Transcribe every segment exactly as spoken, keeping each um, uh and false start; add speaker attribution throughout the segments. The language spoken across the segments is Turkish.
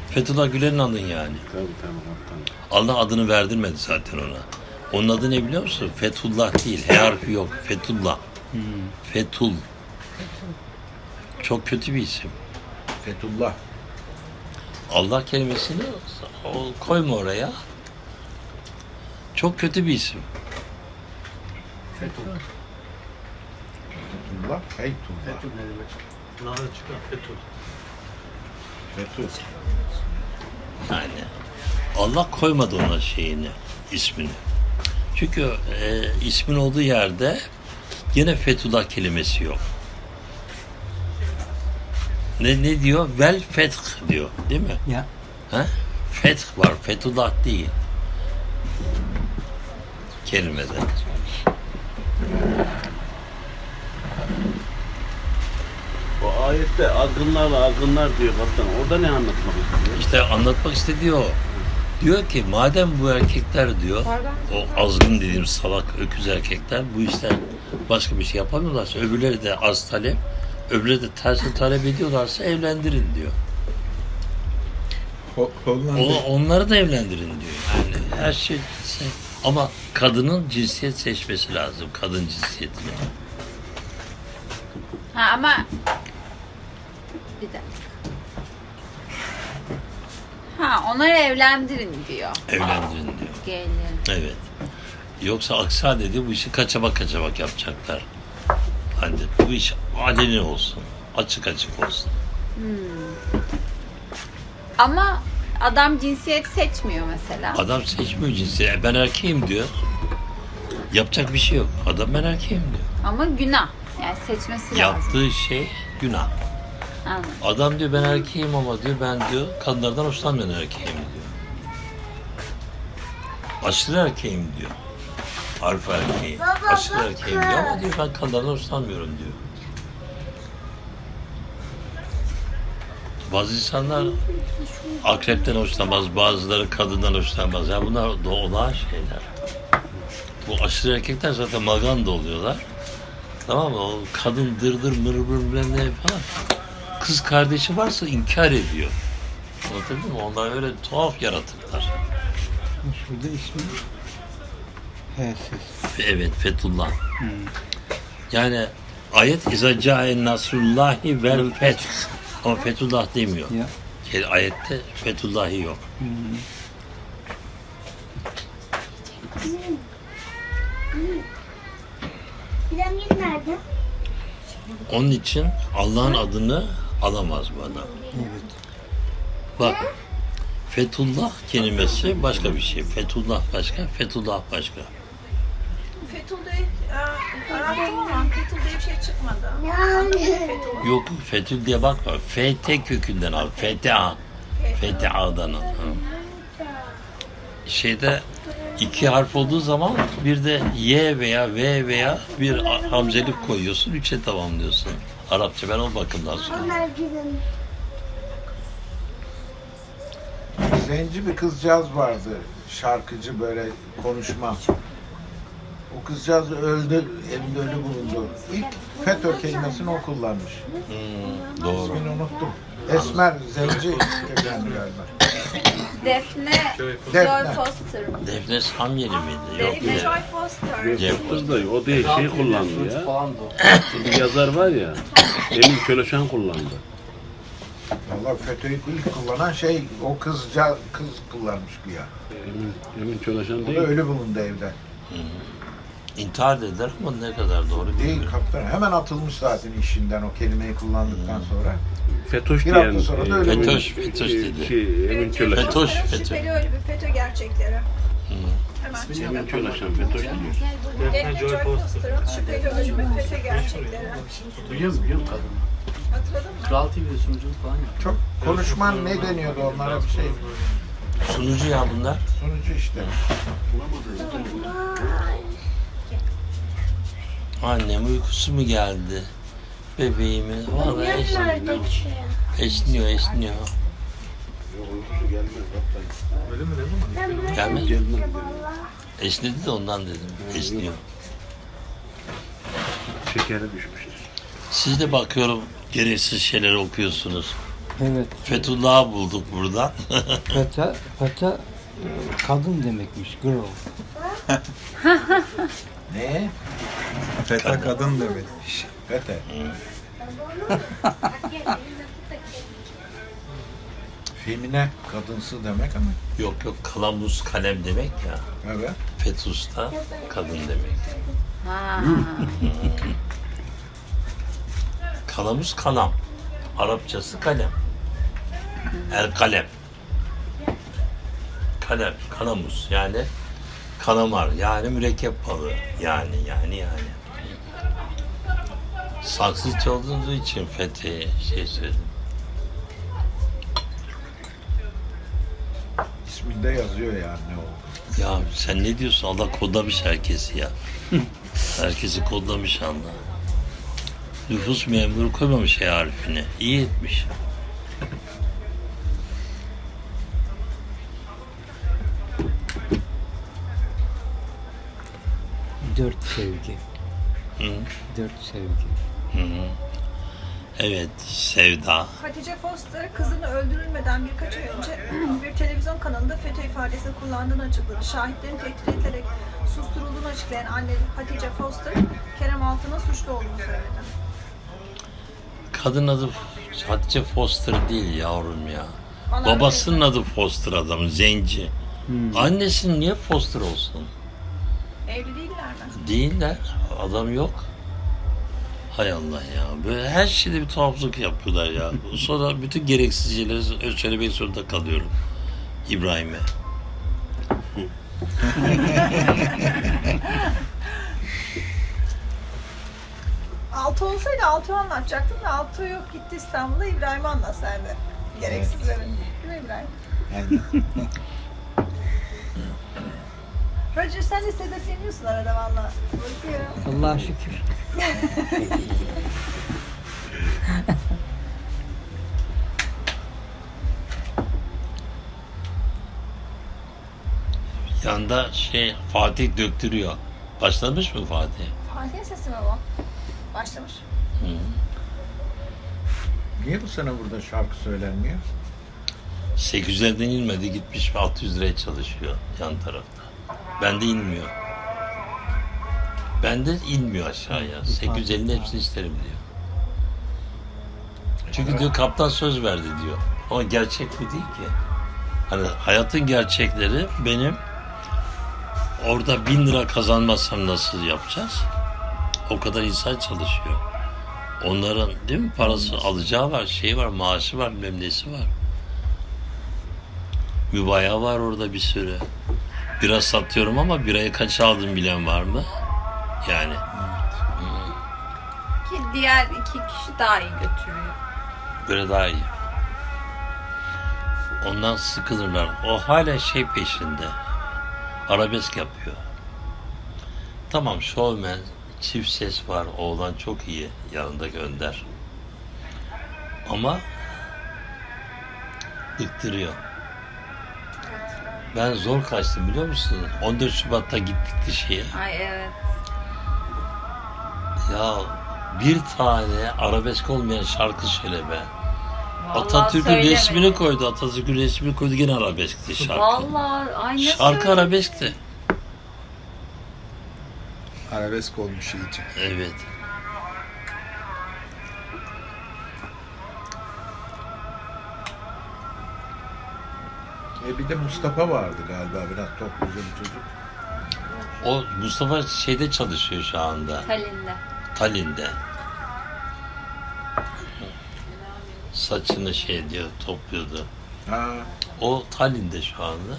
Speaker 1: Fethullah Gülen'in adın yani.
Speaker 2: Tabii tamam.
Speaker 1: Allah adını verdirmedi zaten ona. Onun adı ne biliyor musun? Fethullah değil. H harfi yok. Fethullah.
Speaker 3: Hmm.
Speaker 1: Fethul. Çok kötü bir isim.
Speaker 3: Fethullah.
Speaker 1: Allah kelimesini o- koyma oraya. Çok kötü bir isim.
Speaker 3: Fethullah. Fethullah. Fethullah.
Speaker 4: Fethul ne demek? Nara çıkar. Fethul.
Speaker 3: Fethullah.
Speaker 1: Yani Allah koymadı ona şeyini, ismini. Çünkü e, ismin olduğu yerde yine Fethullah kelimesi yok. Ne ne diyor? Vel feth diyor, değil mi?
Speaker 5: Ya.
Speaker 1: Ha? Feth var, Fethullah değil. Kelimede.
Speaker 2: O ayette azgınlarla azgınlar diyor kaptan. Orada ne anlatmak istiyor?
Speaker 1: İşte anlatmak istediği o. Diyor ki madem bu erkekler diyor, o azgın dediğim salak öküz erkekler bu işten başka bir şey yapamıyorlarsa, öbürleri de az talep, öbürleri de tersini talep ediyorlarsa evlendirin diyor.
Speaker 3: Ho- Hollanda.
Speaker 1: O, onları da evlendirin diyor. Yani her şey ama kadının cinsiyet seçmesi lazım. Kadın cinsiyetini.
Speaker 6: Ha ama bir dakika. Ha onları evlendirin diyor.
Speaker 1: Evlendirin diyor.
Speaker 6: Gelin.
Speaker 1: Evet. Yoksa aksi halde bu işi kaçamak kaçamak yapacaklar. Hani bu iş aleni olsun. Açık açık olsun.
Speaker 6: Ama adam cinsiyet seçmiyor mesela.
Speaker 1: Adam seçmiyor cinsiyet. Ben erkeğim diyor. Yapacak bir şey yok. Adam ben erkeğim diyor.
Speaker 6: Ama günah. Yani seçmesi lazım.
Speaker 1: Yaptığı şey günah.
Speaker 6: Anladım.
Speaker 1: Adam diyor ben erkeğim ama diyor ben diyor kadınlardan hoşlanmayan erkeğim diyor. Aşırı erkeğim diyor. Alfa erkeği. Aşırı erkeğim diyor ama diyor ben kadınlardan hoşlanmıyorum diyor. Bazı insanlar akrepten hoşlanmaz, bazıları kadından hoşlanmaz. Yani bunlar doğal şeyler. Bu aşırı erkekler zaten maganda oluyorlar. Tamam mı? O kadın dırdır mırmır bilmem ne falan. Kız kardeşi varsa inkar ediyor. Anlatabildim mi? Onlar öyle tuhaf yaratıklar.
Speaker 5: Şurada ismi. H'siz.
Speaker 1: Evet, Fethullah. Yani ayet izacaen nasrullahi vel feth. Ama Fethullah demiyor.
Speaker 5: Ya.
Speaker 1: Yani ayette Fethullahi yok.
Speaker 7: Piramit nerede?
Speaker 1: Onun için Allah'ın adını alamaz bu adam.
Speaker 5: Evet.
Speaker 1: Bak, Fethullah kelimesi başka bir şey. Fethullah başka, Fethullah başka.
Speaker 8: Fethul diye e, arattım ama Fethul diye bir şey çıkmadı.
Speaker 7: Yani.
Speaker 8: Fethul.
Speaker 1: Yok, Fethül diye bakma. F T kökünden al. F T A. F T A'dan al. Hı. Şeyde iki harf olduğu zaman bir de Y veya V veya bir hamzelik koyuyorsun. Üçe tamamlıyorsun. Arapça ben o bakımdan sonra.
Speaker 7: Onlar gidin.
Speaker 3: Zenci bir kızcağız vardı. Şarkıcı böyle konuşma. O kızcağız öldü, evinde ölü bulundu. İlk FETÖ kelimesini o kullanmış.
Speaker 1: Hmm, doğru.
Speaker 3: İsmini unuttum. Esmer, zenci kökenli galiba.
Speaker 6: Defne Joy
Speaker 3: Defne.
Speaker 6: Foster mı?
Speaker 1: Defne Samyeli miydi? Yok.
Speaker 8: Defne
Speaker 1: bir-
Speaker 8: Joy Foster.
Speaker 1: Cem
Speaker 2: Kız da o değil şey kullandı ya.
Speaker 4: Falan da o.
Speaker 2: Bir yazar var ya. Emin Köleşen kullandı.
Speaker 3: Vallahi FETÖ'yü ilk kullanan şey o kızca kız kullanmış güya.
Speaker 2: Emin, Emin Köleşen
Speaker 3: O da
Speaker 2: değil.
Speaker 3: ölü bulundu evde.
Speaker 1: İntihar dediler ama ne kadar doğru
Speaker 3: Değil
Speaker 1: bilmiyorum.
Speaker 3: kaptan. Hemen atılmış zaten işinden o kelimeyi kullandıktan sonra.
Speaker 2: Fetoş
Speaker 3: Bir
Speaker 2: diyen.
Speaker 3: hafta sonra da öyle
Speaker 2: Emin-
Speaker 1: Fetoş, Fetoş dedi.
Speaker 2: Şey, Emin Köleşen.
Speaker 1: Fetoş,
Speaker 8: Fetoş,
Speaker 1: FETÖ.
Speaker 8: Şüpheli öyle bir FETÖ gerçekleri. Hemen çıktı.
Speaker 2: Emin Köleşen Fetoş diyor.
Speaker 8: Defne Joy Foster'ın şüpheli ölümü FETÖ gerçekleri.
Speaker 4: Biliyor musun? Biliyor musun kadını?
Speaker 8: Hatırladın mı?
Speaker 4: Kral T V'de sunuculuk falan yaptı.
Speaker 3: Çok konuşman ne deniyordu onlara bir şey.
Speaker 1: Sunucu ya bunlar.
Speaker 3: Sonucu işte.
Speaker 1: Annem uykusu mu geldi? Bebeğimin. Vallahi
Speaker 7: Piramit
Speaker 1: esniyor.
Speaker 7: nerede ki?
Speaker 1: Esniyor, esniyor.
Speaker 2: Yok uykusu gelmez kaptan.
Speaker 4: Öyle mi ne zaman?
Speaker 7: Ben buraya
Speaker 1: Gelmez.
Speaker 7: gideceğim valla.
Speaker 1: Esnedi de ondan dedim. Esniyor.
Speaker 2: Şekeri düşmüştür.
Speaker 1: Siz de bakıyorum gereksiz şeyler okuyorsunuz.
Speaker 5: Evet.
Speaker 1: Fethullah'ı bulduk buradan.
Speaker 5: Feta, feta e, kadın demekmiş. Girl.
Speaker 3: Ne?
Speaker 9: Feta kadın demekmiş.
Speaker 3: Fete. Femine kadınsı demek ama.
Speaker 1: Yok yok, kalamus kalem demek ya.
Speaker 3: Evet.
Speaker 1: Fetus da kadın demek.
Speaker 6: Ha.
Speaker 1: Kalamus kalam. Arapçası kalem. El kalem. Kalem, kalamus yani kalamar yani mürekkep balığı yani yani yani. Saksızca olduğunuz için Fethi'ye şey söyledim.
Speaker 3: İsminde yazıyor yani ne oldu.
Speaker 1: Ya sen ne diyorsun? Allah kodlamış herkesi ya. Herkesi kodlamış Allah. Nüfus memuru koymamış E harfini. İyi etmiş.
Speaker 5: Dört sevgi.
Speaker 1: Hı.
Speaker 5: Dört sevgi.
Speaker 1: Hı hı. Evet, Sevda.
Speaker 8: Hatice Foster kızını öldürülmeden birkaç ay önce bir televizyon kanalında FETÖ ifadesini kullandığını açıkladı. Şahitlerin tehdit edilerek susturulduğunu açıklayan anne Hatice Foster, Kerem Altın'ın suçlu olduğunu söyledi.
Speaker 1: Kadın adı Hatice Foster değil yavrum ya.
Speaker 8: Bana
Speaker 1: Babasının adı Foster adamın, zenci. Annesinin niye Foster olsun?
Speaker 8: Evli değiller mi?
Speaker 1: Değiller. Adam yok. Hay Allah ya. Böyle her şeyde bir tuhaflık yapıyorlar ya. Sonra bütün gereksiz şeyleri söylemek zorunda kalıyorum. İbrahim'e.
Speaker 8: Altı olsaydı Altuğ'u anlatacaktım da Altuğ yok, gitti İstanbul'a. İbrahim'i anlat sen de. Gereksizleri. Değil mi İbrahim?
Speaker 3: Aynen.
Speaker 8: Roger sen de sedetleniyorsun arada valla. Bakıyorum.
Speaker 5: Allah'a şükür.
Speaker 1: Yanda şey Fatih döktürüyor. Başlamış mı Fatih?
Speaker 8: Fatih'in sesi mi bu? Başlamış.
Speaker 3: Niye bu sene burada şarkı söylenmiyor?
Speaker 1: sekiz yüzlerden inmedi, gitmiş altı yüz liraya çalışıyor yan tarafta. Bende inmiyor. Bende inmiyor aşağıya. sekiz yüz ellinin hepsini isterim diyor. Çünkü diyor kaptan söz verdi diyor. Ama gerçek bu değil ki. Hani hayatın gerçekleri benim orada bin lira kazanmazsam nasıl yapacağız? O kadar insan çalışıyor. Onların değil mi parası alacağı var, şeyi var, maaşı var, bilmem nesi var. Mübaya var orada bir sürü. Bira satıyorum ama birayı kaça aldım bilen var mı? Yani.
Speaker 6: Ki diğer iki kişi daha iyi götürüyor.
Speaker 1: Böyle daha iyi. Ondan sıkılırlar. O hala şey peşinde. Arabesk yapıyor. Tamam, şovmen, çift ses var. Oğlan çok iyi. Yanında gönder. Ama ıktırıyor. Ben zor kaçtım biliyor musun? on dört Şubat'ta gittik şeye.
Speaker 6: Ay evet.
Speaker 1: Ya bir tane arabesk olmayan şarkı söyle be.
Speaker 6: Vallahi
Speaker 1: Atatürk'ün
Speaker 6: söylemedim.
Speaker 1: resmini koydu. Atatürk'ün resmini koydu, gene arabeskti şarkı.
Speaker 6: Vallahi ay nasıl
Speaker 1: Şarkı
Speaker 6: öyle?
Speaker 1: arabeskti.
Speaker 9: Arabesk olmuş iyice.
Speaker 1: Evet.
Speaker 3: E bir de Mustafa vardı galiba, biraz topluca bir çocuk.
Speaker 1: O Mustafa şeyde çalışıyor şu anda.
Speaker 6: Tallinn'de.
Speaker 1: Tallinn'de. Saçını şey diyor, topluyordu.
Speaker 3: Ha,
Speaker 1: O Tallinn'de şu anda.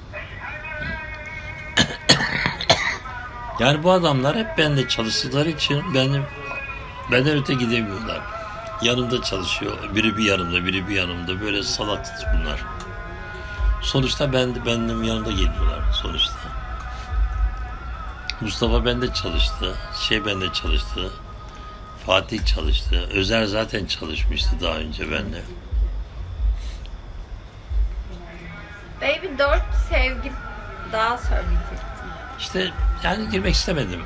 Speaker 1: Yani bu adamlar hep bende çalıştıkları için benim benden öte gidemiyorlar. Yanımda çalışıyor. Biri bir yanımda, biri bir yanımda. Böyle salak bunlar. Sonuçta ben de benim yanımda geliyorlar sonuçta. Mustafa bende çalıştı. Şey bende çalıştı. Fatih çalıştı. Özer zaten çalışmıştı daha önce bende.
Speaker 6: Baby dört sevgi daha söyleyecektim.
Speaker 1: İşte yani girmek istemedim.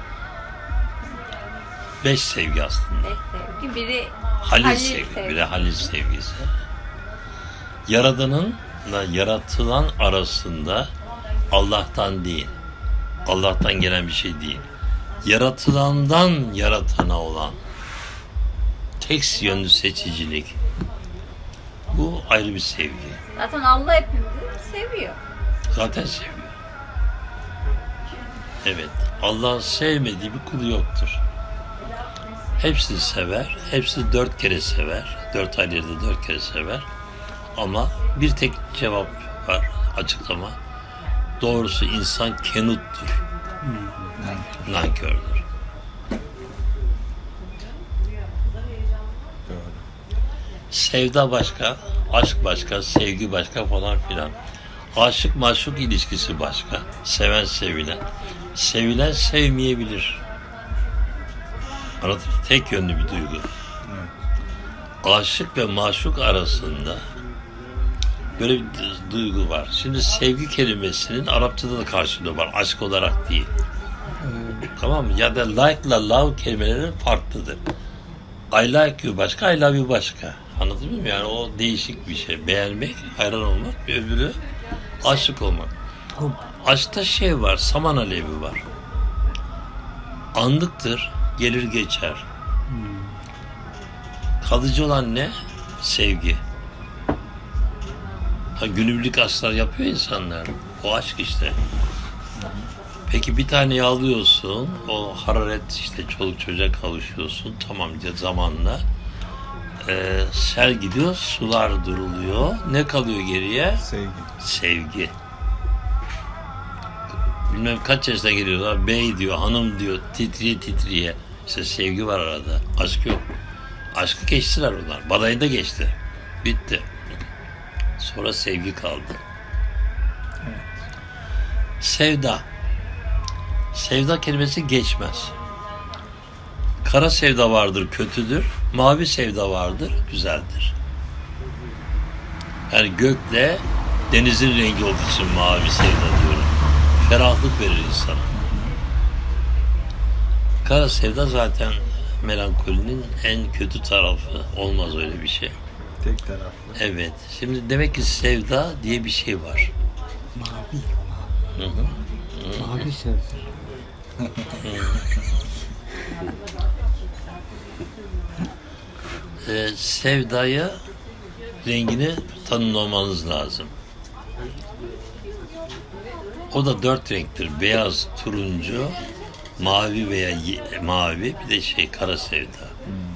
Speaker 1: Beş sevgi aslında.
Speaker 6: Beş sevgi. Biri
Speaker 1: Halil,
Speaker 6: Halil
Speaker 1: sevgi,
Speaker 6: sevgisi.
Speaker 1: biri Halil sevgisi. Yaradanınla yaratılan arasında Allah'tan değil, Allah'tan gelen bir şey değil, yaratılandan yaratana olan tek yönlü seçicilik. Bu ayrı bir sevgi.
Speaker 6: Zaten Allah hepimizi seviyor.
Speaker 1: Zaten seviyor. Evet, Allah'ın sevmediği bir kulu yoktur. Hepsini sever, hepsini dört kere sever, dört aylarda dört kere sever. Ama bir tek cevap var, açıklama. Doğrusu insan kenuttur, nankördür. Sevda başka, aşk başka, sevgi başka falan filan. Aşık maşuk ilişkisi başka. Seven sevilen. Sevilen sevmeyebilir. Anladın mı? Tek yönlü bir duygu. Aşık ve maşuk arasında böyle bir duygu var. Şimdi sevgi kelimesinin Arapçada da karşılığı var. Aşk olarak değil. Tamam mı? Ya da like ile love kelimeleri farklıdır. I like you başka, I love you başka. Anladın mı? Yani o değişik bir şey. Beğenmek, hayran olmak, bir öbürü aşık olmak. Aşkta şey var, saman alevi var. Anlıktır, gelir geçer. Kalıcı olan ne? Sevgi. Ha, günübirlik aşklar yapıyor insanlar. O aşk işte. Peki bir taneyi alıyorsun, o hararet işte çoluk çocuğa kavuşuyorsun, tamam diye zamanla. Ee, sel gidiyor, sular duruluyor. Ne kalıyor geriye?
Speaker 9: Sevgi.
Speaker 1: Sevgi. Bilmem kaç yaşına geliyorlar, bey diyor, hanım diyor, titriye titriye. İşte sevgi var arada, aşk yok. Aşkı geçtiler onlar, badayı da geçti. Bitti. Sonra sevgi kaldı. Sevda. Sevda kelimesi geçmez. Kara sevda vardır, kötüdür. Mavi sevda vardır, güzeldir. Yani gökle denizin rengi olduğu için mavi sevda diyorum. Ferahlık verir insana. Kara sevda zaten melankolinin en kötü tarafı. Olmaz öyle bir şey.
Speaker 9: Tek taraflı.
Speaker 1: Evet. Şimdi demek ki sevda diye bir şey var.
Speaker 5: Mavi.
Speaker 1: Hı hı.
Speaker 5: Mavi sevda.
Speaker 1: Ee, sevdaya rengini tanımlamanız lazım. O da dört renktir. Beyaz, turuncu, mavi veya ye- mavi, bir de şey kara sevda.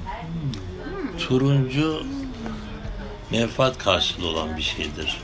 Speaker 1: Turuncu menfaat karşılığı olan bir şeydir.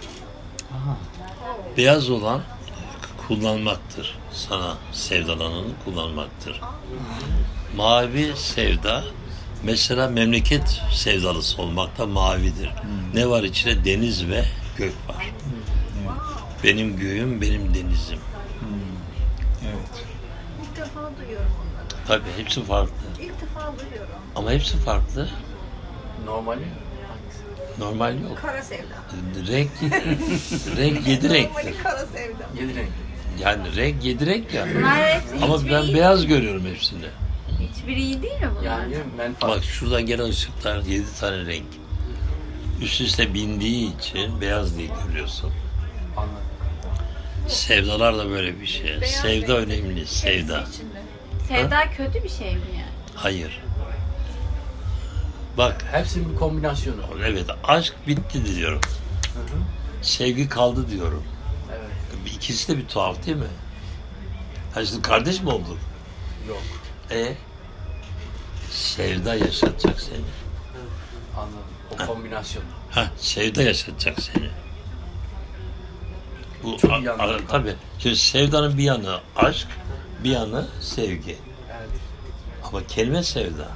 Speaker 1: Beyaz olan kullanmaktır. Sana sevdalananı kullanmaktır. Mavi sevda mesela memleket sevdalısı olmak da mavidir. Ne var içinde? Deniz ve gök var. Benim göğüm, benim denizim.
Speaker 9: Evet.
Speaker 8: İlk defa duyuyorum onları.
Speaker 1: Tabii hepsi farklı.
Speaker 8: İlk defa duyuyorum.
Speaker 1: Ama hepsi farklı.
Speaker 4: Normali
Speaker 1: Normal yok.
Speaker 8: Kara sevda.
Speaker 1: Renk, renk yedi renktir.
Speaker 8: Normali kara sevda.
Speaker 4: yedi renk.
Speaker 1: Yani renk yedi renk ya.
Speaker 6: Bunlar hepsi
Speaker 1: Ama
Speaker 6: hiçbiri
Speaker 1: ben
Speaker 6: iyi,
Speaker 1: beyaz görüyorum hepsini.
Speaker 6: hiçbiri iyi değil mi bunlar?
Speaker 4: Yani menfaat.
Speaker 1: Bak şuradan gelen ışıklar yedi tane renk. Üst üste bindiği için beyaz diye görüyorsun.
Speaker 4: Anladım.
Speaker 1: Sevdalar da böyle bir şey.
Speaker 8: Beyaz
Speaker 1: Sevda
Speaker 8: renk.
Speaker 1: önemli, sevda.
Speaker 8: Hepsi içinde.
Speaker 6: Sevda kötü bir şey mi yani?
Speaker 1: Hayır. Bak,
Speaker 4: Hepsinin bir kombinasyonu.
Speaker 1: evet aşk bitti diyorum.
Speaker 4: Hı hı.
Speaker 1: Sevgi kaldı diyorum.
Speaker 4: Evet.
Speaker 1: İkisi de bir tuhaf değil mi? Ha şimdi kardeş mi olduk?
Speaker 4: Yok.
Speaker 1: E sevda yaşatacak seni.
Speaker 4: Anladım. O kombinasyon.
Speaker 1: Ha, sevda yaşatacak seni. Bu
Speaker 4: Çok
Speaker 1: a-
Speaker 4: iyi
Speaker 1: a-
Speaker 4: anladım.
Speaker 1: tabii. Şimdi sevdanın bir yanı aşk, bir yanı sevgi.
Speaker 4: Evet.
Speaker 1: Ama kelime sevda.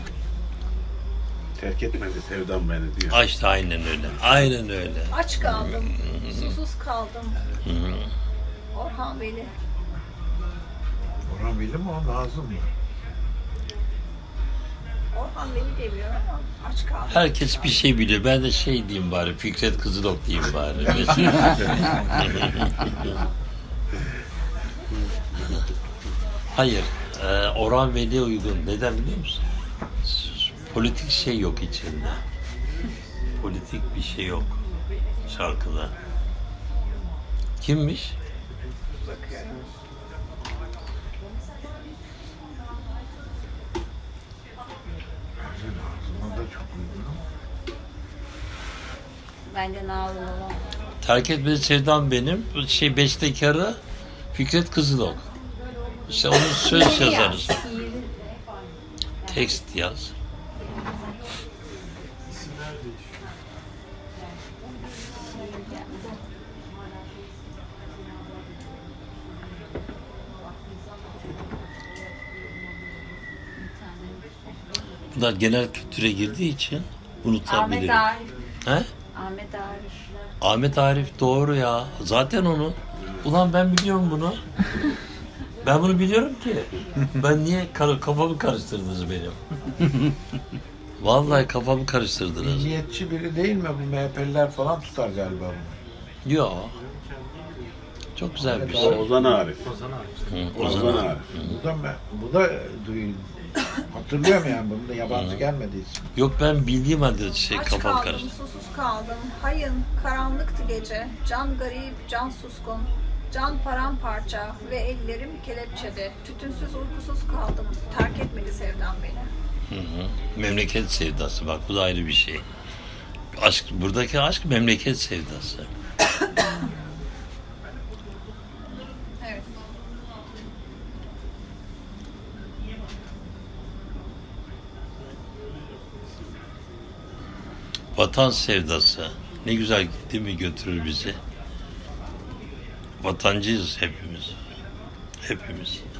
Speaker 2: Terk etmedi sevdam beni diyor.
Speaker 1: Aşk da aynen öyle. Aynen öyle.
Speaker 8: Aç kaldım. Susuz kaldım.
Speaker 1: Hı hı.
Speaker 8: Orhan Veli.
Speaker 3: Orhan Veli mi o? Nazım mı?
Speaker 8: Orhan Veli demiyorum ama aç kaldım.
Speaker 1: Herkes bir şey biliyor. Ben de şey diyeyim bari, Fikret Kızılok diyeyim bari. Hayır, e, Orhan Veli'ye uygun. Neden biliyor musun? Politik şey yok içinde. Politik bir şey yok. şarkıda. Kimmiş?
Speaker 8: Bakıyorum.
Speaker 3: Bence Nazım'a da çok uygun ama.
Speaker 6: Bence Nazım olan.
Speaker 1: Terk etmedi sevdam benim. Şey bestekarı Fikret Kızılok. İşte onun söz yazarı. Tekst yaz. Bunlar genel kültüre girdiği için
Speaker 6: Ahmet
Speaker 1: unutabilirim.
Speaker 6: Arif.
Speaker 1: He?
Speaker 6: Ahmet Arif.
Speaker 1: Ahmet Arif doğru ya. Zaten onu. Ulan ben biliyorum bunu. Ben bunu biliyorum ki. Ben niye kar- kafamı karıştırdınız benim? Vallahi kafamı karıştırdınız.
Speaker 3: Milliyetçi biri değil mi? Bu M H P'liler falan tutar galiba bunu.
Speaker 1: Yo. Çok güzel bir
Speaker 2: O
Speaker 1: şey.
Speaker 2: Ozan Arif.
Speaker 1: Hı,
Speaker 2: Ozan
Speaker 1: Ozan.
Speaker 2: Arif.
Speaker 3: Bu da, bu da duy, hatırlıyorum yani, bunun da yabancı gelmediği için.
Speaker 1: Yok ben bildiğim halde şey
Speaker 8: Aç
Speaker 1: kafam
Speaker 8: kaldım,
Speaker 1: karıştı.
Speaker 8: susuz kaldım. Hayın, karanlıktı gece. Can garip, can suskun. Can paramparça ve ellerim kelepçede. Tütünsüz, uykusuz kaldım. Terk etmedi sevdam beni.
Speaker 1: Hı hı. Memleket sevdası bak bu da ayrı bir şey. Aşk buradaki aşk memleket sevdası.
Speaker 8: Evet.
Speaker 1: Vatan sevdası. Ne güzel değil mi götürür bizi. Vatancıyız hepimiz. Hepimiz.